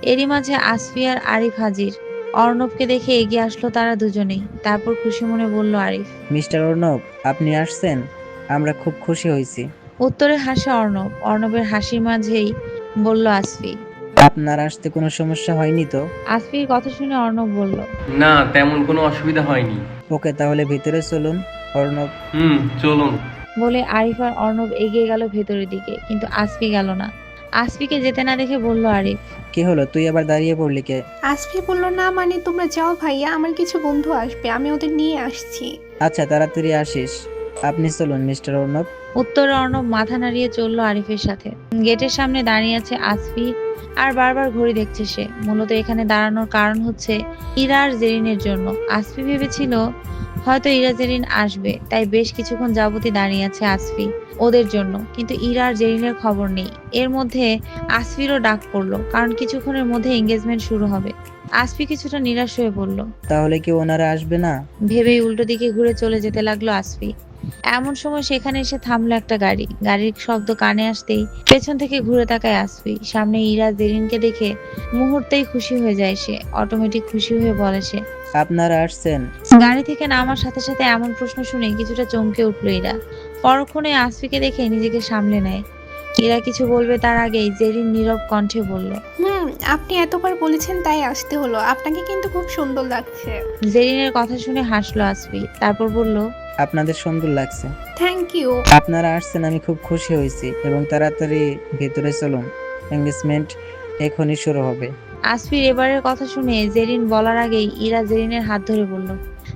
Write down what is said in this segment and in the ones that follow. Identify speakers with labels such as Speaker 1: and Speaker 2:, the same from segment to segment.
Speaker 1: এরই মাঝে আসফি আর আরিফ হাজির। অর্ণবকে দেখে এগিয়ে আসলো তারা দুজনেই। তারপর খুশি মনে বলল আরিফ।
Speaker 2: মিস্টার অর্ণব, আপনি আসছেন, আমরা খুব খুশি হয়েছি।
Speaker 1: উত্তরে হাসে অর্ণব। অর্ণবের হাসির মাঝেই বলল আসফি।
Speaker 2: আপনার আসতে কোনো সমস্যা হয়নি তো?
Speaker 1: আসফির কথা শুনে অর্ণব বলল।
Speaker 3: না, তেমন কোনো অসুবিধা হয়নি।
Speaker 2: ওকে, তাহলে ভিতরে চলুন। অর্ণব।
Speaker 3: চলুন।
Speaker 1: বলে আরিফ আর অর্ণব এগিয়ে গেল ভেতরের দিকে, কিন্তু আসফি গেল না। আসফিকে যেতে না দেখে বলল আরিফ।
Speaker 2: কি হলো, তুই আবার দাঁড়িয়ে পড়লি কে?
Speaker 4: আসফি বলল, না মানে তোমরা যাও ভাইয়া, আমার কিছু বন্ধু আসবে, আমি ওদের নিয়ে আসছি।
Speaker 2: আচ্ছা, তাড়াতাড়ি আসিস। আপনি চলুন মিস্টার অর্ণব।
Speaker 1: উত্তরে অর্ণব মাথা নাড়িয়ে চলল আরিফের সাথে। গেটের সামনে দাঁড়িয়ে আছে আসফি আর বারবার ঘড়ি দেখছে সে। মূলত এখানে দাঁড়ানোর কারণ হচ্ছে ইরা আর জেরিনের জন্য। আসফি ভেবেছিল হয়তো ইরা জেরিন আসবে, তাই বেশ কিছুক্ষণ যাবতই দাঁড়িয়ে আছে আসফি ওদের জন্য। কিন্তু ইরা আর জেরিনের খবর নেই। এর মধ্যে আসফিরও ডাক পড়লো, কারণ কিছুক্ষণের মধ্যে এঙ্গেজমেন্ট শুরু হবে। আসফি কিছুটা নিরাশ হয়ে পড়ল।
Speaker 2: তাহলে কি ওনারা আসবে না?
Speaker 1: ভেবেই উল্টো দিকে ঘুরে চলে যেতে লাগলো আসফি। এমন সময় সেখানে এসে থামলো একটা গাড়ি। গাড়ির শব্দ কানে আসতেই পেছন থেকে ঘুরে তাকায় আসফি। সামনে ইরা জেরিনকে দেখে মুহূর্তেই খুশি হয়ে যায় সে। অটোমেটিক খুশি হয়ে বলে সে।
Speaker 2: আপনারা আসছেন?
Speaker 1: গাড়ি থেকে নামার সাথে সাথে এমন প্রশ্ন শুনে কিছুটা চমকে উঠলো ইরা। পরক্ষণে আসফিকে দেখে নিজেকে সামলে নেয়। ইরা কিছু বলবে তার আগেই জেরিন নীরব কণ্ঠে বলল।
Speaker 4: হুম, আপনি এতবার বলেছেন তাই আসতে হলো, আপনাকে কিন্তু খুব সুন্দর লাগছে।
Speaker 1: জেরিনের কথা শুনে হাসলো আসফি, তারপর বলল।
Speaker 2: আপনাদের সুন্দর লাগছে।
Speaker 4: Thank you.
Speaker 2: আপনারা আসছেন, আমি খুব খুশি হয়েছি, এবং তাড়াতাড়ি ভেতরে চলুন। এঙ্গেজমেন্ট এখনই শুরু হবে।
Speaker 1: আসফির এবারের কথা শুনে জেরিন বলার আগেই ইরা জেরিনের হাত ধরে বলল।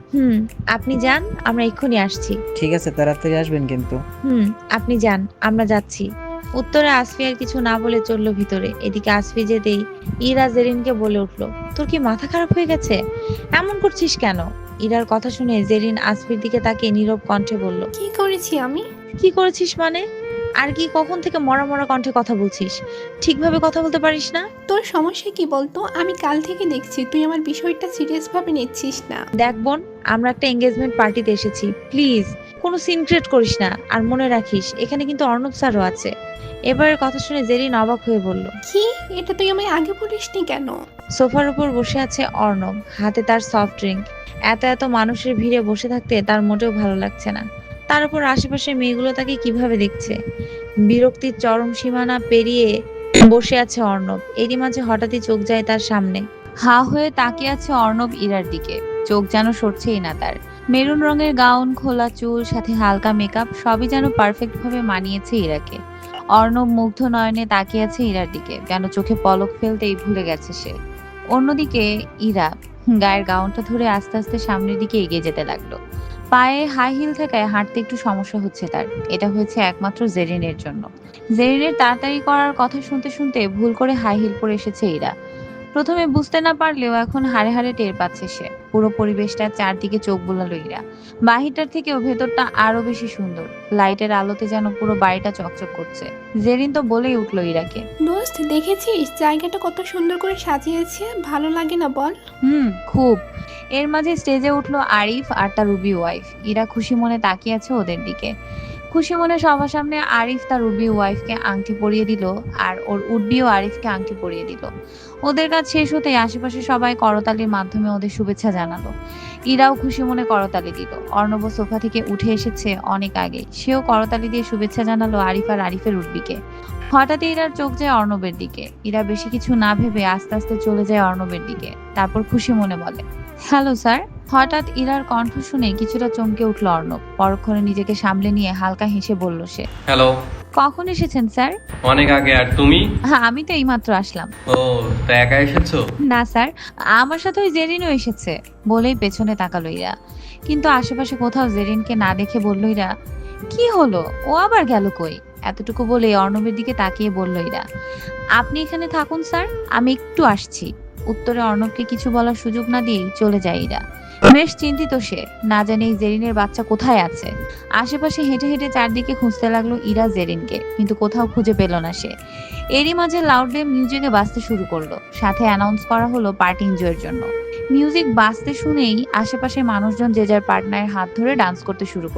Speaker 1: আপনি যান, আমরা এক্ষুনি আসছি।
Speaker 2: ঠিক আছে, তাড়াতাড়ি আসবেন কিন্তু।
Speaker 1: হুম, আপনি যান, আমরা যাচ্ছি। উত্তরে আসফি আর কিছু না বলে চলল ভিতরে। এদিকে আসফি যেতেই ইরা জেরিনকে বলে উঠল। তোর কি মাথা খারাপ হয়ে গেছে? এমন করছিস কেন? ইরার কথা শুনে জেরিন আসফির দিকে তাকিয়ে নীরব কণ্ঠে বলল।
Speaker 4: কি করেছি আমি?
Speaker 1: কি করেছিস মানে? আর কি, কখন থেকে মরা মরা কণ্ঠে কথা বলছিস? ঠিকভাবে কথা বলতে পারিস না?
Speaker 4: তোর সমস্যা কি বলতো? আমি কাল থেকে দেখছি তুই আমার বিষয়টা সিরিয়াস ভাবে নিচ্ছিস না।
Speaker 1: দেখ বোন, আমরা একটা এঙ্গেজমেন্ট পার্টিতে এসেছি, প্লিজ কোনো সিন ক্রিয়েট করিস না। আর মনে রাখিস এখানে কিন্তু অর্ণব স্যারও আছে। এবারের কথা শুনে জেরিন অবাক হয়ে বলল।
Speaker 4: কি? এটা তুই আমায় আগে বলিসনি কেন?
Speaker 1: সোফার উপর বসে আছে অর্ণব, হাতে তার সফট ড্রিঙ্ক। এত এত মানুষের ভিড়ে বসে থাকতে তার মোটেও ভালো লাগছে না। তার উপর আশেপাশের মেয়েগুলো তাকে কিভাবে দেখছে। বিরক্তির চরম সীমানা পেরিয়ে বসে আছে অর্ণব। এরই মাঝে হঠাৎই চোখ যায় তার সামনে। হা হয়ে তাকিয়ে আছে অর্ণব ইরার দিকে। চোখ যেন সরছেই না তার। মেরুন রঙের গাউন, খোলা চুল, সাথে হালকা মেকআপ, সবই যেন পারফেক্ট ভাবে মানিয়েছে ইরাকে। অর্ণব মুগ্ধ নয়নে তাকিয়ে আছে ইরার দিকে, যেন চোখে পলক ফেলতেই ভুলে গেছে সে। অন্যদিকে ইরা গায়ের গাউনটা ধরে আস্তে আস্তে সামনের দিকে এগিয়ে যেতে লাগলো। পায়ে হাই হিল থাকায় হাঁটতে একটু সমস্যা হচ্ছে তার। এটা হয়েছে একমাত্র জেরিনের জন্য। জেরিনের তাড়াতাড়ি করার কথা শুনতে শুনতে ভুল করে হাই হিল পরে এসেছে ইরা। প্রথমে বুঝতে না পারলেও এখন হাড়ে হাড়ে টের পাচ্ছে সে। পুরো পরিবেশটা চারদিকে চোখ বুলালো ইরা। বাহিরটার থেকেও ভেতরটা আরো বেশি সুন্দর। লাইটের আলোতে যেন পুরো বাড়িটা চকচক করছে। জেরিন তো বলেই উঠলো ইরাকে।
Speaker 4: দোস্ত, দেখেছিস জায়গাটা কত সুন্দর করে সাজিয়েছে? ভালো লাগে না বল?
Speaker 1: খুব। এর মাঝে স্টেজে উঠলো আরিফ আর তার রুবি ওয়াইফ। ইরা খুশি মনে তাকিয়ে আছে ওদের দিকে। খুশি মনে সবার সামনে আরিফ তার রুবি ওয়াইফকে আংটি পরিয়ে দিল, আর ওর উডবিও আরিফকে আংটি পরিয়ে দিল। ওদের কাজ শেষ হতেই আশেপাশে সবাই করতালির মাধ্যমে ওদের শুভেচ্ছা জানালো। ইরাও খুশি মনে করতালি দিল। অর্ণব সোফা থেকে উঠে এসেছে অনেক আগে, সেও করতালি দিয়ে শুভেচ্ছা জানালো আরিফ আর আরিফের উডবিকে। হঠাৎই ইরার চোখ যায় অর্ণবের দিকে। ইরা বেশি কিছু না ভেবে আস্তে আস্তে চলে যায় অর্ণবের দিকে। তারপর খুশি মনে বলে, হ্যালো স্যার। হঠাৎ ইরার কণ্ঠ শুনে কিছুটা চমকে উঠল অর্ণব। পরক্ষণে নিজেকে সামলে নিয়ে হালকা হেসে বলল সে।
Speaker 3: হ্যালো।
Speaker 1: কখন এসেছেন স্যার?
Speaker 3: অনেক আগে। আর তুমি?
Speaker 1: হ্যাঁ, আমি তো এইমাত্র আসলাম।
Speaker 3: ও, তা একা এসেছো?
Speaker 1: না স্যার, আমার সাথে ওই জেরিনও এসেছে। বলেই পেছনে তাকালো ইরা। কিন্তু আশেপাশে কোথাও জেরিনকে না দেখে বলল ইরা, কি হলো, ও আবার গেল কই? এতটুকু বলে অর্ণবের দিকে তাকিয়ে বলল ইরা, আপনি এখানে থাকুন স্যার, আমি একটু আসছি। উত্তরে অর্ণবকে কিছু বলার সুযোগ না দিয়েই চলে যায় ইরা। বেশ চিন্তিত সে, না জানে এই জেরিনের বাচ্চা কোথায় আছে। আশেপাশে হেঁটে হেঁটে চারদিকে খুঁজতে লাগলো ইরা জেরিনকে, কিন্তু কোথাও খুঁজে পেল না সে। এরই মাঝে লাউডলি মিউজিকে বাজতে শুরু করলো। সাথে অ্যানাউন্স করা হলো পার্টি এনজয়ের জন্য। মিউজিক বাজতে শুনেই আশেপাশের মানুষজন যে যার পার্টনারের হাত ধরে ডান্স করতে শুরু করলো।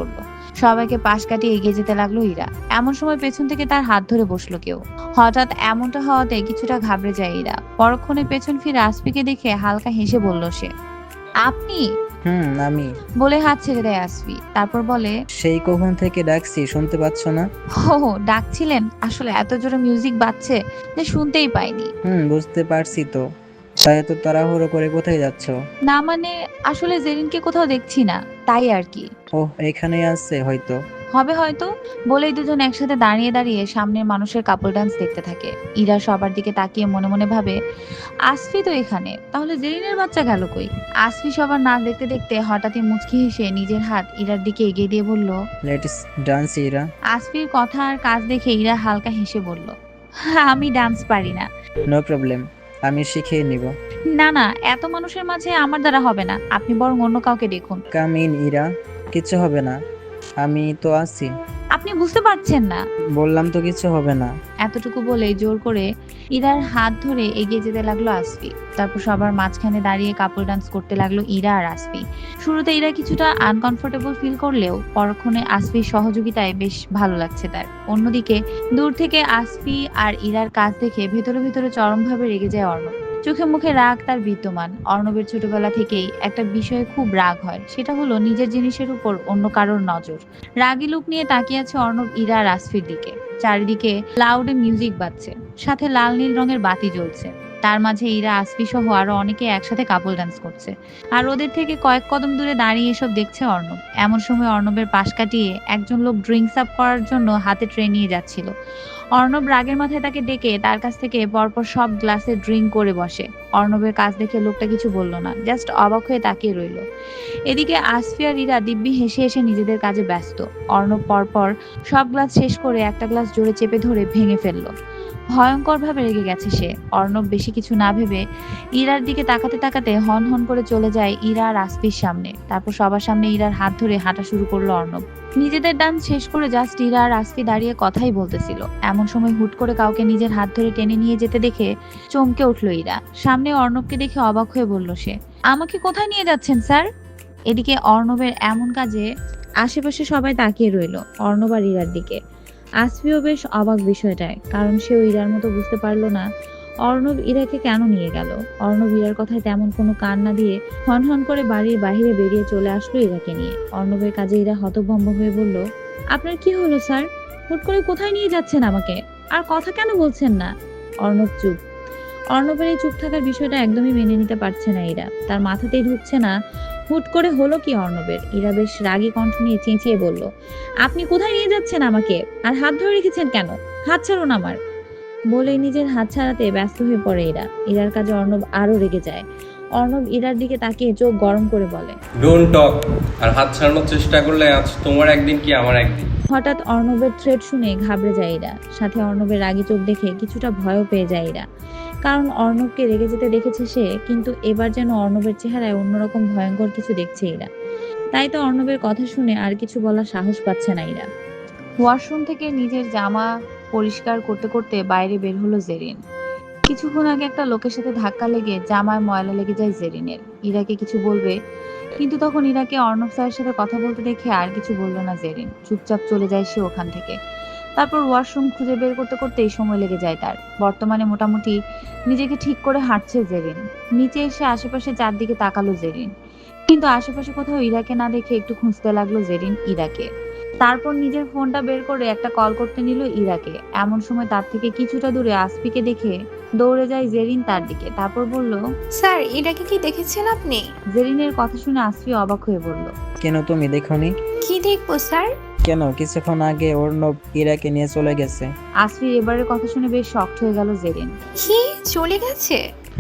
Speaker 1: সবাইকে পাশ কাটিয়ে এগিয়ে যেতে লাগলো ইরা। এমন সময় পেছন থেকে তার হাত ধরে বসলো কেউ। হঠাৎ এমনটা হওয়াতে কিছুটা ঘাবড়ে যায় ইরা। পরক্ষণে পেছন ফিরে আসফিকে দেখে হালকা হেসে বলল সে, আপনি?
Speaker 2: আমি।
Speaker 1: বলে হাত ছেড়ে দেয় আসফি। তারপর বলে,
Speaker 2: সেই কখন থেকে ডাকছি, শুনতে পাচ্ছ না?
Speaker 1: হো হো, ডাকছিলেন? আসলে এত জোরে মিউজিক বাজছে যে শুনতেই পাইনি।
Speaker 2: বুঝতে পারছি তো। তাই এত তাড়াহুড়ো করে কোথায় যাচ্ছ?
Speaker 1: না মানে, আসলে জেরিনকে কোথাও দেখছি না, তাই আর কি।
Speaker 2: ওহ, এখানেই আছে হয়তো।
Speaker 1: হবে হয়তো। বলেই দুজন একসাথে দাঁড়িয়ে দাঁড়িয়ে সামনের মানুষের কাপল ডান্স দেখতে থাকে। ইরা সবার দিকে তাকিয়ে মনে মনে ভাবে, আসফি তো এখানে, তাহলে জেরিনের বাচ্চা গেল কই? আসফি সবার নাচ দেখতে দেখতে হঠাৎই মুচকি হেসে নিজের হাত ইরার দিকে এগিয়ে দিয়ে বলল।
Speaker 2: Let's dance Ira.
Speaker 1: আসফির কথা আর কাজ দেখে ইরা হালকা হেসে বলল, আমি ডান্স পারি না।
Speaker 2: নো প্রবলেম, আমি শিখিয়ে নিব।
Speaker 1: না না, এত মানুষের মাঝে আমার দ্বারা হবে না, আপনি বরং অন্য কাউকে দেখুন।
Speaker 2: কাম ইন ইরা, কিছু হবে না, আমি তো আছি।
Speaker 1: আপনি বুঝতে পারছেন না।
Speaker 2: বললাম তো কিছু হবে না।
Speaker 1: এতটুকু বলে জোর করে ইরার হাত ধরে এগিয়ে যেতে লাগলো আসফি। তারপর সবার মাঝখানে দাঁড়িয়ে কাপল ডান্স করতে লাগলো ইরা আর আসফি। শুরুতে ইরা কিছুটা আনকমফোর্টেবল ফিল করলেও পরক্ষণে আসফির সহযোগিতায় বেশ ভালো লাগছে তার। অন্যদিকে দূর থেকে আসফি আর ইরার কাজ দেখে ভেতরে ভেতরে চরমভাবে রেগে যায় অর্ণব। চোখে মুখে রাগ তার বিদ্যমান। অর্ণবের ছোটবেলা থেকেই একটা বিষয়ে খুব রাগ হয়, সেটা হলো নিজের জিনিসের উপর অন্য কারোর নজর। রাগী লুক নিয়ে তাকিয়ে আছে অর্ণব ইরা আর আসফির দিকে। চারিদিকে লাউডে মিউজিক বাজছে, সাথে লাল নীল রঙের বাতি জ্বলছে। তার মাঝে ইরা, আসফি সহ আরো অনেকে একসাথে কাপল ডান্স করছে। আর ওদের থেকে কয়েক কদম দূরে দাঁড়িয়ে এসব দেখছে অর্ণব। এমন সময় অর্ণবের পাশ কাটিয়ে একজন লোক ড্রিঙ্কস আপ করার জন্য হাতে ট্রে নিয়ে যাচ্ছিল। অর্ণব রাগের মাথায় তাকে ডেকে তার কাছ থেকে পরপর সব গ্লাসে ড্রিঙ্ক করে বসে। অর্ণবের কাজ দেখে লোকটা কিছু বলল না, জাস্ট অবাক হয়ে তাকিয়ে রইল। এদিকে আসফি আর ইরা দিব্যি হেসে হেসে নিজেদের কাজে ব্যস্ত। অর্ণব পরপর সব গ্লাস শেষ করে একটা গ্লাস জোরে চেপে ধরে ভেঙে ফেললো। ভয়ঙ্কর ভাবে রেগে গেছে সে। অর্ণব বেশি কিছু না ভেবে ইরার দিকে তাকাতে তাকাতে হন হন করে চলে যায় ইরা আর আসফির সামনে। তারপর সবার সামনে ইরার হাত ধরে হাঁটা শুরু করলো অর্ণব। নিজেদের ডান্স শেষ করে জাস্ট ইরা আর আসফি দাঁড়িয়ে কথাই বলতেছিল। এমন সময় হুট করে কাউকে নিজের হাত ধরে টেনে নিয়ে যেতে দেখে চমকে উঠলো ইরা। সামনে অর্ণবকে দেখে অবাক হয়ে বলল সে, আমাকে কোথায় নিয়ে যাচ্ছেন স্যার? এদিকে অর্ণবের এমন কাজে আশেপাশে সবাই তাকিয়ে রইল অর্ণব আর ইরার দিকে। আসফিও বেশ অবাক বিষয়টায়, কারণ সেও ইরার মতো বুঝতে পারলো না অর্ণব ইরাকে কেন নিয়ে গেল। অর্ণব ইরার কথায় তেমন কোনো কান না দিয়ে হন হন করে বাড়ির বাইরে বেরিয়ে চলে আসলো ইরাকে নিয়ে। অর্ণবের কাজে ইরা হতভম্ব হয়ে বলল, আপনার কি হলো স্যার? হুট করে কোথায় নিয়ে যাচ্ছেন আমাকে? আর কথা কেন বলছেন না? অর্ণব চুপ। অর্ণবের এই চুপ থাকার বিষয়টা একদমই মেনে নিতে পারছে না ইরা। তার মাথাতেই ঢুকছে না হুট করে হলো কি অর্ণবের। ইরা বেশ রাগী কণ্ঠ নিয়ে চেঁচিয়ে বলল, আপনি কোথায় নিয়ে যাচ্ছেন আমাকে? আর হাত ধরে রেখেছেন কেন? হাত ছাড়ুন আমার। বলেই নিজের হাত ছাড়াতে ব্যস্ত হয়ে পড়ে ইরা। ইরার কাজে অর্ণব আরো রেগে যায়। অর্ণব ইরার দিকে তাকিয়ে চোখ গরম করে বলে,
Speaker 3: ডোন্ট টক। আর হাত ছাড়ানোর চেষ্টা করলে আজ তোমার একদিন কি আমার একদিন।
Speaker 1: হঠাৎ অর্ণবের থ্রেট শুনে ঘাবড়ে যায় ইরা। সাথে অর্ণবের রাগী চোখ দেখে কিছুটা ভয়ও পেয়ে যায় ইরা। কারণ অর্ণবকে রেগে যেতে দেখেছে সে, কিন্তু এবার যেন অর্ণবের চেহারায় অন্যরকম ভয়ঙ্কর কিছু দেখছে ইরা। তাই তো অর্ণবের কথা শুনে আর কিছু বলার সাহস পাচ্ছে না ইরা। ওয়াশরুম থেকে নিজের জামা পরিষ্কার করতে করতে বাইরে বের হলো জেরিন। কিছুক্ষণ আগে একটা লোকের সাথে ধাক্কা লেগে জামায় ময়লা লেগে যায় জেরিনের। ইরাকে কিছু বলবে, কিন্তু তখন ইরাকে অর্ণব স্যারের সাথে কথা বলতে দেখে আর কিছু বলল না জেরিন। চুপচাপ চলে যায় সে ওখান থেকে। তারপর ওয়াশরুম খুঁজে বের করতে করতেই সময় লেগে যায় তার। বর্তমানে মোটামুটি নিজেকে ঠিক করে হাঁটছে জেরিন। নিচে এসে আশেপাশে চারদিকে তাকালো জেরিন, কিন্তু আশেপাশে কোথাও ইরাকে না দেখে একটু খুঁজতে লাগলো জেরিন ইরাকে। তারপর নিজের ফোনটা বের করে একটা কল করতে নিল ইরাকে। এমন সময় তার থেকে কিছুটা দূরে আসফিকে দেখে দৌড়ে যায় জেরিন তার দিকে। তারপর বলল,
Speaker 4: স্যার এটাকে কি দেখেছেন আপনি?
Speaker 1: জেরিনের কথা শুনে আসফি অবাক হয়ে বলল,
Speaker 2: কেন, তুমি দেখোনি?
Speaker 4: কি দেখবো স্যার?
Speaker 2: কেন, কিছুক্ষণ আগে অর্ণব ইরাকে নিয়ে চলে গেছে।
Speaker 1: আসফির এবারের কথা শুনে বেশ শকড হয়ে গেল জেরিন।
Speaker 4: কি চলে গেছে?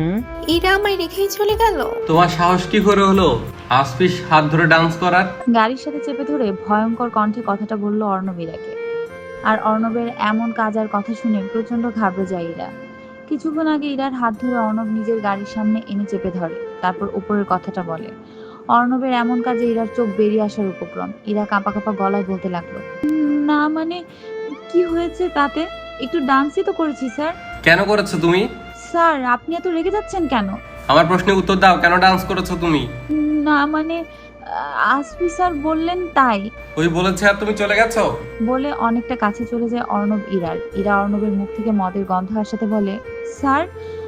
Speaker 4: এরা আমায় রেখেই চলে গেল?
Speaker 3: তোমার সাহস কি করে হলো আসফিস হাত ধরে ডান্স করার?
Speaker 1: গাড়ির সাথে চেপে ধরে ভয়ঙ্কর কণ্ঠে কথাটা বলল অর্ণব ইরাকে। আর অর্ণবের এমন কাজ আর কথা শুনে প্রচন্ড ঘাবড়ে যায় ইরা। কিছুক্ষণ আগে ইরার হাত ধরে অর্ণব নিজের গাড়ির সামনে এনে চেপে ধরে, তারপর উপরের কথাটা বলে। অর্ণবের এমন কাজে ইরার চোখ বেরিয়ে আসার উপক্রম। ইরা কাঁপা কাঁপা গলায় বলতে লাগলো, না মানে কি হয়েছে তাতে? একটু ডান্সই তো করেছি স্যার।
Speaker 3: কেন করেছো তুমি?
Speaker 1: স্যার আপনি এত রেগে যাচ্ছেন কেন?
Speaker 3: আমার প্রশ্নের উত্তর দাও, কেন ডান্স করেছো তুমি?
Speaker 1: না মানে আসফি স্যার বললেন তাই
Speaker 3: ওই বলেছে আর তুমি চলে গেছো?
Speaker 1: বলে অনেকটা কাছে চলে যায় অর্ণব ইরার। ইরা অর্ণবের মুখ থেকে মদের গন্ধ আসাতে বলে, স্যার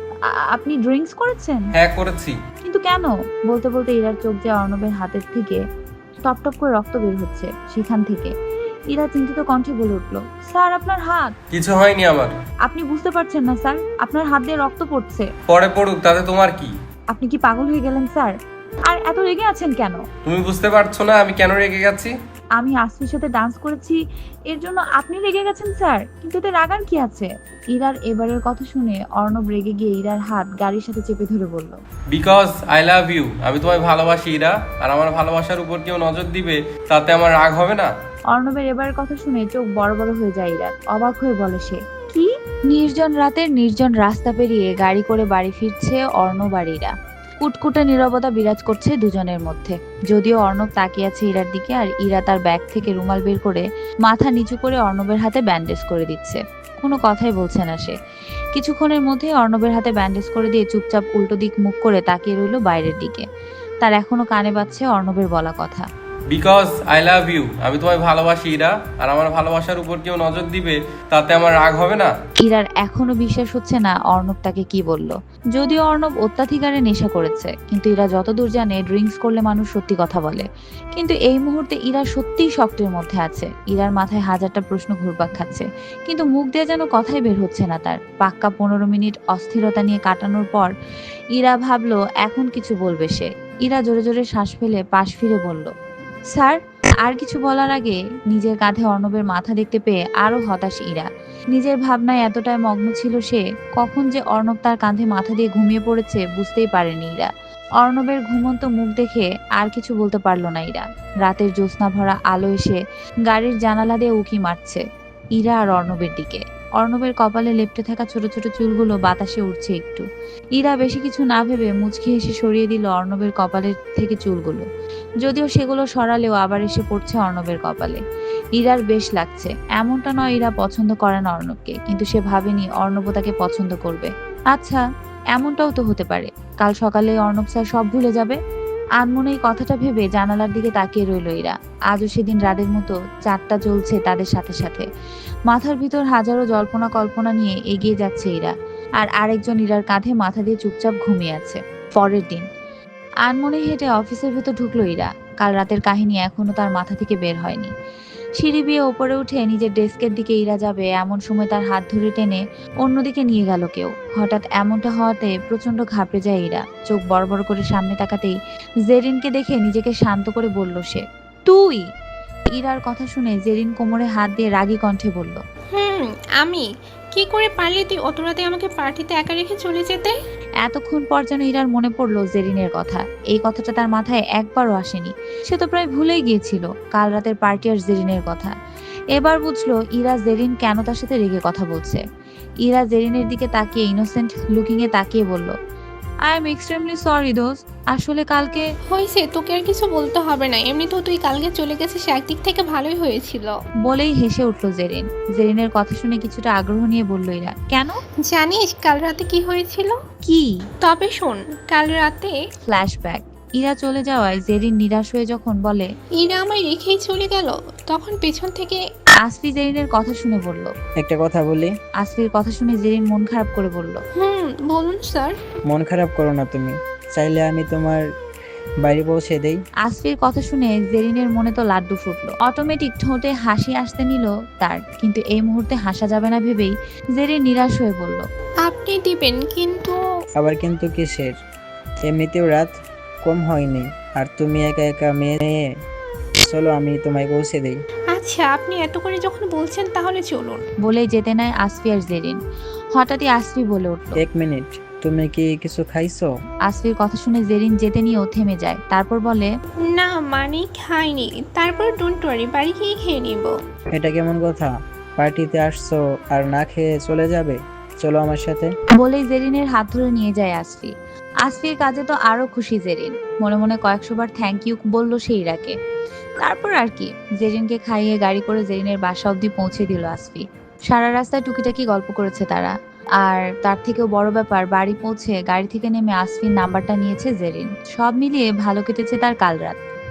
Speaker 1: আপনি ড্রিঙ্কস করেছেন?
Speaker 3: হ্যাঁ করেছি।
Speaker 1: কিন্তু কেন? বলতে বলতে ইরার চোখ যে অর্ণবের হাতের থেকে টপ টপ করে রক্ত বের হচ্ছে সেখান থেকে। ইরা চিন্তিত কণ্ঠে বলে উঠল, স্যার আপনার হাত।
Speaker 3: কিছু হয়নি আমার।
Speaker 1: আপনি বুঝতে পারছেন না স্যার, আপনার হাত দিয়ে রক্ত পড়ছে।
Speaker 3: পরে পড়ুক, তাতে তোমার কি?
Speaker 1: আপনি কি পাগল হয়ে গেলেন স্যার? আর এত রেগে আছেন কেন?
Speaker 3: তুমি বুঝতে পারছো না আমি কেন রেগে গেছি?
Speaker 1: আমি আসফির সাথে ডান্স করেছি, এর জন্য আপনি রেগে গেছেন স্যার? কিন্তু এতে রাগার কি আছে? ইরার এবারের কথা শুনে অর্ণব রেগে গিয়ে ইরার হাত গাড়ির সাথে চেপে ধরে বলল,
Speaker 3: বিকজ আই লাভ ইউ। আমি তোমায় ভালোবাসি ইরা, আর আমার ভালোবাসার উপর কেউ নজর দিবে তাতে আমার রাগ হবে না?
Speaker 1: অর্ণবের এবারের কথা শুনে চোখ বড় বড় হয়ে যায় ইরার। অবাক হয়ে বলে সে, কি? নির্জন রাতের নির্জন রাস্তা পেরিয়ে গাড়ি করে বাড়ি ফিরছে অর্ণব আর ইরা। কুটকুটে নীরবতা বিরাজ করছে দুজনের মধ্যে। যদিও অর্ণব তাকিয়ে আছে ইরার দিকে, আর ইরা তার ব্যাগ থেকে রুমাল বের করে মাথা নিচু করে অর্ণবের হাতে ব্যান্ডেজ করে দিচ্ছে। কোনো কথাই বলছে না সে। কিছুক্ষণের মধ্যে অর্ণবের হাতে ব্যান্ডেজ করে দিয়ে চুপচাপ উল্টো দিক মুখ করে তাকিয়ে রইল বাইরের দিকে। তার এখনো কানে বাজছে অর্ণবের বলা কথা,
Speaker 3: বিকজ আই লাভ ইউ। আমি তোমায় ভালোবাসি ইরা, আর আমার ভালোবাসার উপর কেউ নজর দিবে তাতে আমার রাগ হবে না?
Speaker 1: ইরার এখনো বিশ্বাস হচ্ছে না অর্ণব তাকে কি বলল। যদিও অর্ণব অত্যাধিকারে নেশা করেছে, কিন্তু ইরা যতদূর জানে ড্রিঙ্কস করলে মানুষ সত্যি কথা বলে। কিন্তু এই মুহূর্তে ইরা সত্যিই শক্তের মধ্যে আছে। ইরার মাথায় হাজারটা প্রশ্ন ঘুরপাক খাচ্ছে, কিন্তু মুখ দিয়ে যেন কথাই বের হচ্ছে না তার। পাক্কা 15 মিনিট অস্থিরতা নিয়ে কাটানোর পর ইরা ভাবলো এখন কিছু বলবে সে। ইরা জোরে জোরে শ্বাস ফেলে পাশ ফিরে বলল, স্যার। আর কিছু বলার আগে নিজের কাঁধে অর্ণবের মাথা দেখতে পেয়ে আরো হতাশ ইরা। নিজের ভাবনায় এতটাই মগ্ন ছিল সে, কখন যে অর্ণব তার কাঁধে মাথা দিয়ে ঘুমিয়ে পড়েছে বুঝতেই পারেনি ইরা। অর্ণবের ঘুমন্ত মুখ দেখে আর কিছু বলতে পারল না ইরা। রাতের জ্যোৎস্না ভরা আলো এসে গাড়ির জানালা দিয়ে উকি মারছে ইরা আর অর্ণবের দিকে। অর্ণবের কপালে লেপ্টে থাকা ছোট ছোট চুলগুলো বাতাসে উঠছে একটু। ইরা বেশি কিছু না ভেবে মুচকি হেসে সরিয়ে দিল অর্ণবের কপালের থেকে চুলগুলো। যদিও সেগুলো সরালেও আবার এসে পড়ছে অর্ণবের কপালে। ইরার বেশ লাগছে। এমনটা নয় ইরা পছন্দ করে না অর্ণবকে, কিন্তু সে ভাবেনি অর্ণব তাকে পছন্দ করবে। আচ্ছা, এমনটাও তো হতে পারে কাল সকালে অর্ণব স্যার সব ভুলে যাবে। আনমনে এই কথাটা ভেবে জানালার দিকে তাকিয়ে রইল ইরা। আজও সেদিন রাতের মতো চারটা চলছে তাদের সাথে সাথে। মাথার ভিতর হাজারো জল্পনা কল্পনা নিয়ে এগিয়ে যাচ্ছে ইরা, আর আরেকজন ইরার কাঁধে মাথা দিয়ে চুপচাপ ঘুমিয়ে আছে। পরের দিন আনমনে হেঁটে অফিসের ভেতর ঢুকলো ইরা। কাল রাতের কাহিনী এখনো তার মাথা থেকে বের হয়নি। সিঁড়ি বেয়ে ওপরে উঠে নিজের ডেস্কের দিকে ইরা যাবে, এমন সময় তার হাত ধরে টেনে অন্যদিকে নিয়ে গেল কেউ। হঠাৎ এমনটা হওয়াতে প্রচন্ড ঘাবড়ে যায় ইরা। চোখ বড় বড় করে সামনে তাকাতেই জেরিনকে দেখে নিজেকে শান্ত করে বলল সে, তুই? ইরার কথা শুনে জেরিন কোমরে হাত দিয়ে রাগী কণ্ঠে বলল,
Speaker 4: আমি কি করে পারলি তুই অত রাতে আমাকে পার্টিতে একা রেখে চলে যেতে?
Speaker 1: এতক্ষণ পর যেন ইরার মনে পড়লো জেরিনের কথা। এই কথাটা তার মাথায় একবারও আসেনি। সে তো প্রায় ভুলেই গিয়েছিল কাল রাতের পার্টি আর জেরিনের কথা। এবার বুঝলো ইরা জেরিন কেন তার সাথে রেগে কথা বলছে। ইরা জেরিনের দিকে তাকিয়ে ইনোসেন্ট লুকিং এ তাকিয়ে বলল, আই এম এক্সট্রিমলি সরি দোস্ত। আসলে কালকে
Speaker 4: হয়েছে, তোকে আর কিছু বলতে হবে না, এমনিতেও তুই কালকে চলে গেছিস, একদিক থেকে ভালোই হয়েছিল।
Speaker 1: বলেই হেসে উঠল জেরিন। জেরিনের কথা শুনে কিছুটা আগ্রহ নিয়ে বলল ইরা, কেন?
Speaker 4: জানিস কাল রাতে কি হয়েছিল?
Speaker 1: কি?
Speaker 4: তবে শোন, কাল রাতে
Speaker 1: ফ্ল্যাশব্যাক। ইরা চলে যাওয়ায় জেরিন নিরাশ হয়ে যখন বলে,
Speaker 4: ইরা আমায় রেখেই চলে গেল, তখন পেছন থেকে
Speaker 1: আসফি জেরিনের কথা শুনে বলল।
Speaker 2: একটা কথা বলি।
Speaker 1: আসফির কথা শুনে জেরিন মন খারাপ করে বলল,
Speaker 4: বলুন স্যার।
Speaker 2: মন খারাপ করো না তুমি, চাইলে আমি তোমার বাড়ি পৌঁছে দেই।
Speaker 1: আসফির কথা শুনে জেরিনের মনে তো লাড্ডু ফুটলো। অটোমেটিক ঠোঁটে হাসি আসতে নিল তার, কিন্তু এই মুহূর্তে হাসা যাবে না ভেবেই জেরিন নিরাশ হয়ে বলল,
Speaker 4: আপনি দিবেন কিন্তু।
Speaker 2: আবার কিন্তু কিসের? এমনিতেও রাত কম হয়নি, আর তুমি একা একা মেয়ে। চলো আমি তোমায় পৌঁছে দেই।
Speaker 4: আচ্ছা, আপনি এত করে যখন বলছেন তাহলে চলুন।
Speaker 1: বলেই যেতে নেয় আসফি আর জেরিন। হঠাৎই আসফি বলে উঠল,
Speaker 2: 1 মিনিট, তুমি কি কিছু খাইছো?
Speaker 1: আসফির কথা শুনে জেরিন যেতে নিয়েও থেমে যায়। তারপর বলে,
Speaker 4: না মানে খাইনি, তারপর ডোন্ট ওয়ারি, বাড়ি গিয়ে খেয়ে নিব।
Speaker 2: এটা কেমন কথা? পার্টিতে আসছো আর না খেয়ে চলে যাবে? চলো আমার সাথে।
Speaker 1: বলেই জেরিনের হাত ধরে নিয়ে যায় আসফি। আসফির কাজে তো আরো খুশি জেরিন। মনে মনে কয়েকশো বার থ্যাংক ইউ বলল সেই ইরাকে। তারপর আর কি, জেরিনকে খাইয়ে গাড়ি করে জেরিনের বাসা অবধি পৌঁছে দিল আসফি। সারা রাস্তায় টুকিটাকি গল্প করেছে তারা। আর তার থেকেও বড় ব্যাপার, বাড়ি পৌঁছে গাড়ি থেকে নেমে আসফির নাম্বারটা নিয়েছে জেরিন। সব মিলিয়ে ভালো কেটেছে তার কাল রাত।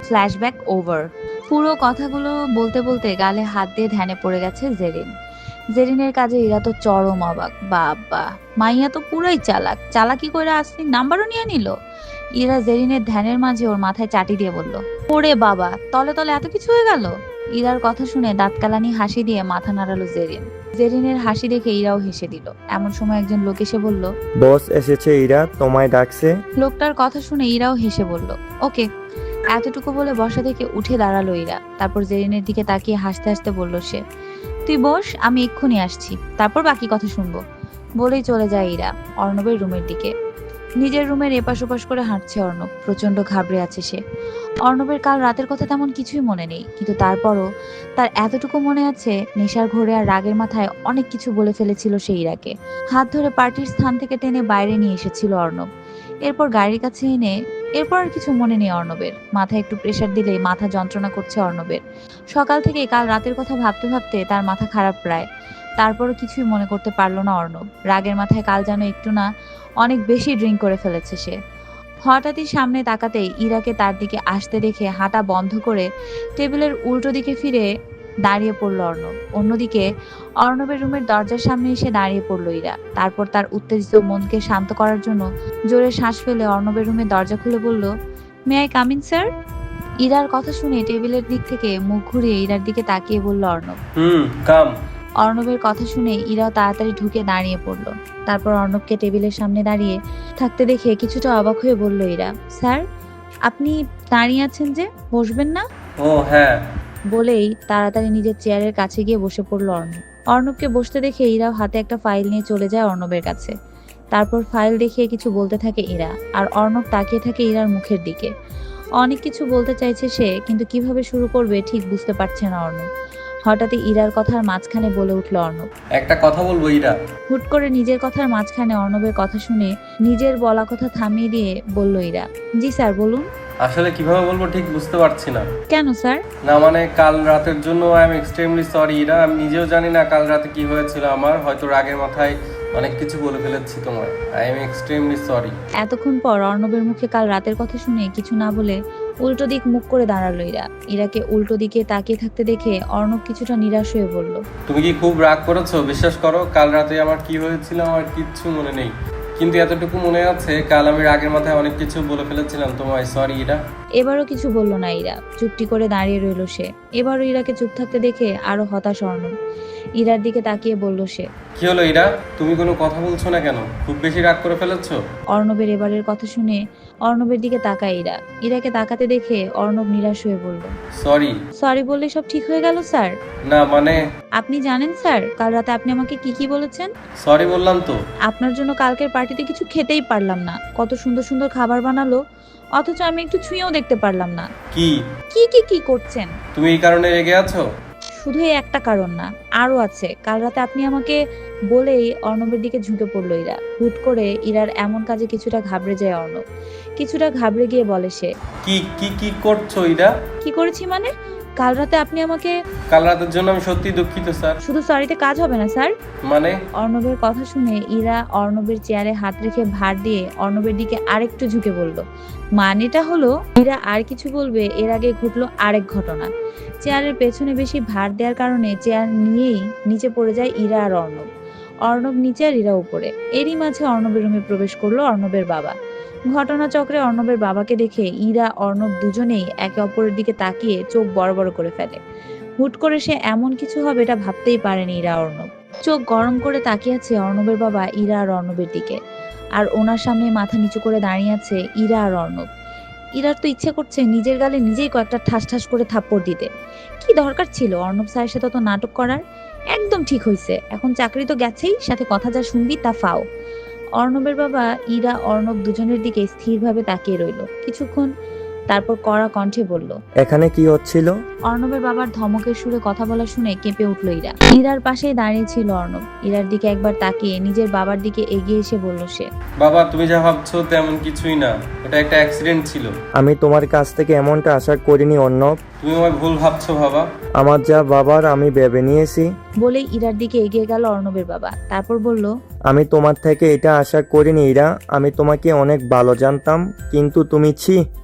Speaker 1: Flashback over. পুরো কথাগুলো বলতে বলতে গালে হাত দিয়ে ধ্যানে পড়ে গেছে জেরিন। জেরিনের কাজে ইরা তো চরম অবাক। বাবা, মাইয়া তো পুরাই চালাক। চালাকি কইরা আসলি নাম্বারও নিয়ে নিল। ইরা জেরিনের ধ্যানের মাঝে ওর মাথায় চাটি দিয়ে বলল, ওরে বাবা, তলে তলে এত কিছু হয়ে গেল। ইরার কথা শুনে দাঁতকালানি হাসি দিয়ে মাথা নাড়ালো জেরিন। জেরিনের হাসি দেখে ইরাও হেসে দিল। এমন সময় একজন লোক এসে বলল,
Speaker 5: বস এসেছে, ইরা তোমায় ডাকছে।
Speaker 1: লোকটার কথা শুনে ইরাও হেসে বলল, ওকে। এতটুকু বলে বসা থেকে উঠে দাঁড়ালো ইরা। তারপর জেরিনের দিকে তাকিয়ে হাসতে হাসতে বলল সে, তুই বস, আমি এক্ষুনি আসছি, তারপর বাকি কথা শুনবো। বলেই চলে যায় ইরা অর্ণবের রুমের দিকে। নিজের রুমের এপাশ ওপাশ করে হাঁটছে অর্ণব। প্রচন্ড ঘাবড়ে আছে সে। অর্ণবের কাল রাতের কথা তেমন কিছুই মনে নেই, কিন্তু তারপরও তার এতটুকু মনে আছে নেশার ঘোরে আর রাগের মাথায় অনেক কিছু বলে ফেলেছিল সে ইরাকে। হাত ধরে পার্টির স্থান থেকে টেনে বাইরে নিয়ে এসেছিল অর্ণব। এরপর গাড়ির কাছে এনে, এরপর আর কিছু মনে নেই অর্ণবের। মাথায় একটু প্রেসার দিলেই মাথা যন্ত্রণা করছে অর্ণবের। সকাল থেকে কাল রাতের কথা ভাবতে ভাবতে তার মাথা খারাপ প্রায়। তারপরও কিছুই মনে করতে পারলো না অর্ণব। রাগের মাথায় কাল যেন একটু না অনেক বেশি ড্রিঙ্ক করে ফেলেছে সে। হঠাৎই সামনে তাকাতেই ইরাকে তার দিকে আসতে দেখে হাঁটা বন্ধ করে টেবিলের উল্টো দিকে ফিরে দাঁড়িয়ে পড়ল অর্ণব। অন্যদিকে অর্ণবের রুমের দরজার সামনে এসে দাঁড়িয়ে পড়ল ইরা। তারপর তার উত্তেজিত মনকে শান্ত করার জন্য জোরে শ্বাস ফেলে অর্ণবের রুমের দরজা খুলে বলল, may I come in sir? ইরার কথা শুনে টেবিলের দিক থেকে মুখ ঘুরিয়ে ইরার দিকে তাকিয়ে বলল অর্ণব।
Speaker 3: কাম।
Speaker 1: অর্ণবের কথা শুনে ইরাও তাড়াতাড়ি ঢুকে দাঁড়িয়ে পড়ল। তারপর অর্ণবকে টেবিলের সামনে দাঁড়িয়ে থাকতে দেখে কিছুটা অবাক হয়ে বলল ইরা, স্যার আপনি দাঁড়িয়ে আছেন যে, বসবেন না?
Speaker 3: ও হ্যাঁ।
Speaker 1: বলেই তাড়াতাড়ি নিজের চেয়ারের কাছে গিয়ে বসে পড়ল অর্ণব। অর্ণবকে বসতে দেখে ইরাও হাতে একটা ফাইল নিয়ে চলে যায় অর্ণবের কাছে। তারপর ফাইল দেখিয়ে কিছু বলতে থাকে ইরা, আর অর্ণব তাকিয়ে থাকে ইরার মুখের দিকে। অনেক কিছু বলতে চাইছে সে, কিন্তু কিভাবে শুরু করবে ঠিক বুঝতে পারছে না অর্ণব। হঠাৎই ইরার কথার মাঝখানে বলে উঠল অর্ণব।
Speaker 3: একটা কথা বলবো ইরা।
Speaker 1: হুট করে নিজের কথার মাঝখানে অর্ণবের কথা শুনে নিজের বলা কথা থামিয়ে দিয়ে বলল ইরা, জি স্যার বলুন।
Speaker 3: আসলে কিভাবে বলবো ঠিক বুঝতে পারছি না।
Speaker 1: কেন স্যার?
Speaker 3: না মানে কাল রাতের জন্য I am extremely sorry Ira. আমি নিজেও জানি না কাল রাতে কি হয়েছিল আমার। হয়তো রাগের মাথায় অনেক কিছু বলে ফেলেছি তোমায়। I am extremely sorry.
Speaker 1: এতক্ষণ পর অর্ণবের মুখে কাল রাতের কথা শুনে কিছু না বলে উল্টো দিক মুখ করে দাঁড়ালো ইরা। ইরাকে উল্টো দিকে তাকিয়ে থাকতে দেখে অর্ণব কিছুটা নিরাশ হয়ে বলল,
Speaker 3: তুমি কি খুব রাগ করেছো? বিশ্বাস করো কাল রাতে আমার কি হয়েছিল আমার কিচ্ছু মনে নেই, কিন্তু এতটুকু মনে আছে কাল আমি রাগের মাথায় অনেক কিছু বলে ফেলেছিলাম তোমায়। সরি ইরা।
Speaker 1: এবারও কিছু বলল না ইরা, চুপটি করে দাঁড়িয়ে রইল সে। এবারও ইরাকে চুপ থাকতে দেখে আরো হতাশ অর্ণব। ইরার দিকে তাকিয়ে বলল সে,
Speaker 3: কি হলো ইরা? তুমি কোনো কথা বলছো না কেন? খুব বেশি রাগ করে ফেলেছো?
Speaker 1: অর্ণবের এবারের কথা শুনে অর্ণবের দিকে তাকায় ইরা। ইরাকে তাকাতে দেখে অর্ণব নিরাশ হয়ে বলল,
Speaker 3: সরি।
Speaker 1: সরি বললে সব ঠিক হয়ে গেল স্যার?
Speaker 3: না মানে
Speaker 1: আপনি জানেন স্যার কাল রাতে আপনি আমাকে কি কি বলেছেন?
Speaker 3: সরি বললাম তো।
Speaker 1: আপনার জন্য কালকের পার্টিতে কিছু খেতেই পারলাম না। কত সুন্দর সুন্দর খাবার বানালো, অথচ আমি একটু ছুঁয়েও দেখতে পারলাম না।
Speaker 3: কি
Speaker 1: কি কি কি করছেন?
Speaker 3: তুমি এই কারণে রেগে আছো?
Speaker 1: শুধু এই একটা কারণ না, আরো আছে। কাল রাতে আপনি আমাকে বলেই অর্ণবের দিকে ঝুঁকে পড়লো ইরা। হুট করে ইরার এমন কাজে কিছুটা ঘাবড়ে যায় অর্ণব। কিছুটা ঘাবড়ে গিয়ে বলে সে,
Speaker 3: কি কি কি করছো ইরা?
Speaker 1: কি করেছি মানে? কাল রাতে আপনি আমাকে।
Speaker 3: কাল রাতের জন্য আমি সত্যি দুঃখিত স্যার।
Speaker 1: শুধু সরিতে কাজ হবে না স্যার।
Speaker 3: মানে
Speaker 1: অর্ণবের কথা শুনে ইরা অর্ণবের চেয়ারে হাত রেখে ভার দিয়ে অর্ণবের দিকে আরেকটু ঝুঁকে বলল, মানেটা হলো ইরা আর কিছু বলবে এর আগে ঘটলো আরেক ঘটনা। চেয়ারের পেছনে বেশি ভার দেওয়ার কারণে চেয়ার নিয়েই নিচে পড়ে যায় ইরা আর অর্ণব। অর্ণব নিচে আর ইরা উপরে। এরই মাঝে অর্ণবের রুমে প্রবেশ করলো অর্ণবের বাবা। ঘটনাচক্রে অর্ণবের বাবাকে দেখে ইরা অর্ণব দুজনেই একে অপরের দিকে তাকিয়ে চোখ বড় বড় করে ফেলে। হুট করে সে এমন কিছু হবে এটা ভাবতেই পারেনি ইরা অর্ণব। চোখ গরম করে তাকিয়ে আছে অর্ণবের বাবা ইরা আর অর্ণবের দিকে। আর ওনার সামনে মাথা নিচু করে দাঁড়িয়ে আছে ইরা আর অর্ণব। ইরার তো ইচ্ছে করছে নিজের গালে নিজেই কয়েকটা ঠাস ঠাস করে থাপ্পড় দিতে। কি দরকার ছিল অর্ণব স্যারের সাথে তো নাটক করার? একদম ঠিক হয়েছে, এখন চাকরি তো গেছেই, সাথে কথা যা শুনবি তা ফাও। অর্ণবের বাবা ইরা অর্ণব দুজনের দিকে স্থিরভাবে তাকিয়ে রইল কিছুক্ষণ, তারপর কড়া কণ্ঠে বলল,
Speaker 5: এখানে কি হচ্ছিল?
Speaker 1: অর্ণবের বাবার ধমকের সুরে কথা বলা শুনে কেঁপে উঠল ইরা। ইরার পাশেই দাঁড়িয়ে ছিল অর্ণব। ইরার দিকে একবার তাকিয়ে নিজের বাবার দিকে এগিয়ে এসে বলল সে,
Speaker 3: বাবা তুমি যা ভাবছো তেমন কিছুই না, ওটা একটা অ্যাক্সিডেন্ট ছিল।
Speaker 5: আমি তোমার কাছ থেকে এমনটা আশা করিনি অর্ণব।
Speaker 3: তুমি আমায় ভুল ভাবছো বাবা।
Speaker 5: আমার যা বাবার আমি ভেবে নিয়েছি।
Speaker 1: বলেই ইরার দিকে এগিয়ে গেল অর্ণবের বাবা। তারপর বলল,
Speaker 5: আমি তোমার থেকে এটা আশা করিনি ইরা। আমি তোমাকে অনেক ভালো জানতাম, কিন্তু তুমি ছি।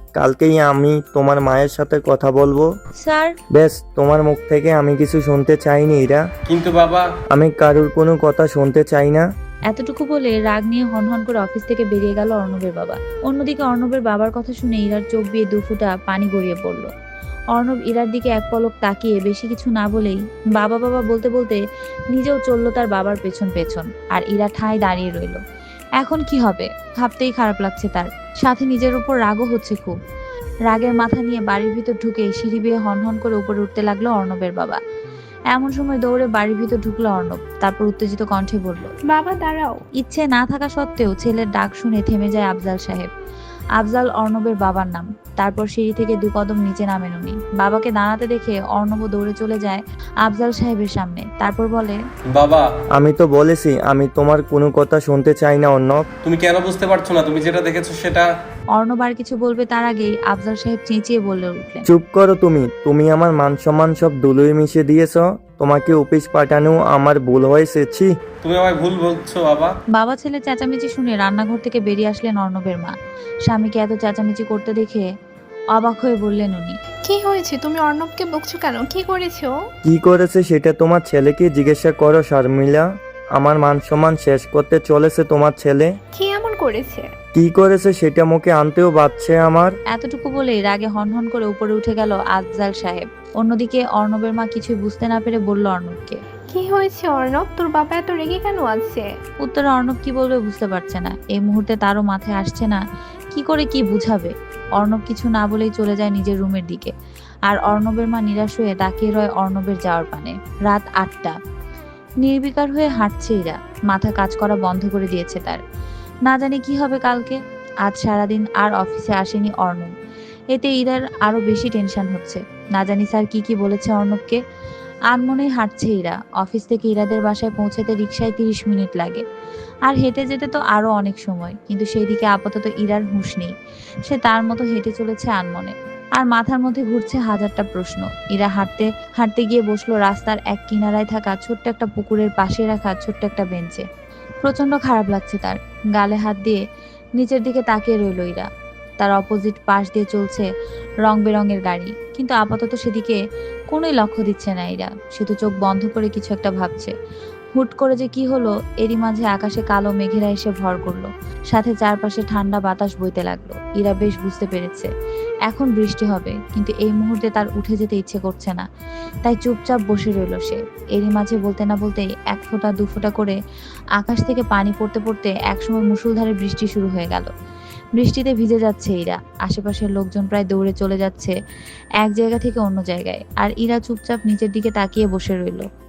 Speaker 5: কালকেই আমি তোমার মায়ের সাথে কথা বলবো।
Speaker 1: স্যার,
Speaker 5: বেশ, তোমার মুখ থেকে আমি কিছু শুনতে চাইনি ইরা।
Speaker 3: কিন্তু বাবা,
Speaker 5: আমি কারুর কোনো কথা শুনতে চাই না।
Speaker 1: এতটুকু বলে রাগ নিয়ে হনহন করে অফিস থেকে বেরিয়ে গেল অর্ণবের বাবা। অন্যদিকে অর্ণবের বাবার কথা শুনে ইরার চোখ দিয়ে দুফোঁটা পানি গড়িয়ে পড়ল। অর্ণব ইরার দিকে এক পলক তাকিয়ে বেশি কিছু না বলেই বাবা বাবা বলতে বলতে নিজেও চলল তার বাবার পেছন পেছন। আর ইরা ঠায় দাঁড়িয়ে রইল। এখন কি হবে ভাবতেই খারাপ লাগছে তার, সাথে নিজের উপর রাগও হচ্ছে খুব। রাগের মাথা নিয়ে বাড়ির ভিতর ঢুকে সিঁড়ি বেয়ে হনহন করে উপরে উঠতে লাগলো অর্ণবের বাবা। এমন সময় দৌড়ে বাড়ির ভিতর ঢুকলো অর্ণব। তারপর উত্তেজিত কণ্ঠে বলল,
Speaker 4: বাবা দাঁড়াও।
Speaker 1: ইচ্ছে না থাকা সত্ত্বেও ছেলের ডাক শুনে থেমে যায় আফজাল সাহেব। আফজাল অর্ণবের বাবার নাম। তারপর সিঁড়ি থেকে 2 কদম নিচে নামেন উনি। বাবাকে দাঁড়াতে দেখে অর্ণব দৌড়ে চলে যায় আফজাল সাহেবের সামনে। তারপর বলে,
Speaker 3: বাবা,
Speaker 5: আমি তো বলেছি আমি তোমার কোনো কথা শুনতে চাই না অর্ণব।
Speaker 3: তুমি কেন বুঝতে পারছো না? তুমি যেটা দেখেছো সেটা।
Speaker 1: অর্ণব আর কিছু বলবে তার আগেই আফজাল সাহেব চেঁচিয়ে বলে উঠলেন,
Speaker 5: চুপ করো তুমি। তুমি আমার মান সম্মান সব ধুলোয় মিশিয়ে দিয়েছো। তোমাকে অফিস পাঠানো আমার ভুল হয়েছে। ছি।
Speaker 3: তুমি আমায় ভুল বলছো বাবা।
Speaker 1: বাবা ছেলে চেঁচামেচি শুনে রান্নাঘর থেকে বেরিয়ে আসলেন অর্ণবের মা। স্বামীকে এত চেঁচামেচি করতে দেখে অবাক হয়ে বললেন উনি,
Speaker 4: কি হয়েছে? তুমি অর্ণবকে বকছো কেন? কি করেছো?
Speaker 5: কি করেছে সেটা তোমার ছেলেকে জিজ্ঞাসা করো শারমিলা। আমার মান সম্মান শেষ করতে চলেছে তোমার ছেলে।
Speaker 4: কি এমন করেছে?
Speaker 5: কি করেছে সেটা মুখে আনতেও বাচ্ছে আমার।
Speaker 1: এতটুকু বলে রাগে হনহন করে উপরে উঠে গেল আফজাল সাহেব। অন্যদিকে অর্ণবের মা কিছুই বুঝতে না পেরে বলল অর্ণবকে।
Speaker 4: কি হয়েছে অর্ণব? তোর বাবা এত রেগে কেন আছে?
Speaker 1: উত্তরে অর্ণব কি বলবে বুঝতে পারছে না। এই মুহূর্তে তারও মাথায় আসছে না কি করে কি বুঝাবে। অর্ণব কিছু না বলেই চলে যায় নিজের রুমের দিকে। আর অর্ণবের মা নিরাশ হয়ে তাকিয়ে রয় অর্ণবের যাওয়ার পানে। রাত 8টা। নির্বিকার হয়ে হাঁটছে ইরা। মাথা কাজ করা বন্ধ করে দিয়েছে তার। না জানি কি হবে কালকে। আজ সারাদিন আর অফিসে আসেনি অর্ণব। এতে ইরার আরো বেশি টেনশন হচ্ছে। না জানি স্যার কি বলেছে অর্ণবকে। আনমনে হাঁটছে ইরা। অফিস থেকে ইরাদের বাসায় পৌঁছাতে রিকশায় 30 মিনিট লাগে। আর হেঁটে যেতে তো আরো অনেক সময়। কিন্তু সেই দিকে আপাতত ইরার হুঁশ নেই। সে তার মতো হেঁটে চলেছে আনমনে। আর মাথার মধ্যে ঘুরছে হাজারটা প্রশ্ন। ইরা হাঁটতে হাঁটতে গিয়ে বসলো রাস্তার এক কিনারায় থাকা ছোট্ট একটা পুকুরের পাশে রাখা ছোট্ট একটা বেঞ্চে। প্রচন্ড খারাপ লাগছে তার। গালে হাত দিয়ে নিচের দিকে তাকিয়ে রইল ইরা। তার অপোজিট পাশ দিয়ে চলছে রং বেরঙের গাড়ি। কিন্তু আপাতত সেদিকে কোনোই লক্ষ্য দিচ্ছে না ইরা। সে তো চোখ বন্ধ করে কিছু একটা ভাবছে। হুট করে যে কি হলো, এরই মাঝে আকাশে কালো মেঘেরা এসে ভর করলো। সাথে চারপাশে ঠান্ডা বাতাস বইতে লাগলো। ইরা বেশ বুঝতে পেরেছে এখন বৃষ্টি হবে। কিন্তু এই মুহূর্তে তার উঠে যেতে ইচ্ছে করছে না। তাই চুপচাপ বসে রইল সে। এরই মাঝে বলতে না বলতেই 1 ফোঁটা 2 ফোঁটা করে আকাশ থেকে পানি পড়তে পড়তে একসময় মুষলধারে বৃষ্টি শুরু হয়ে গেল। বৃষ্টিতে ভিজে যাচ্ছে ইরা। আশেপাশের লোকজন প্রায় দৌড়ে চলে যাচ্ছে এক জায়গা থেকে অন্য জায়গায়। আর ইরা চুপচাপ নিচের দিকে তাকিয়ে বসে রইল।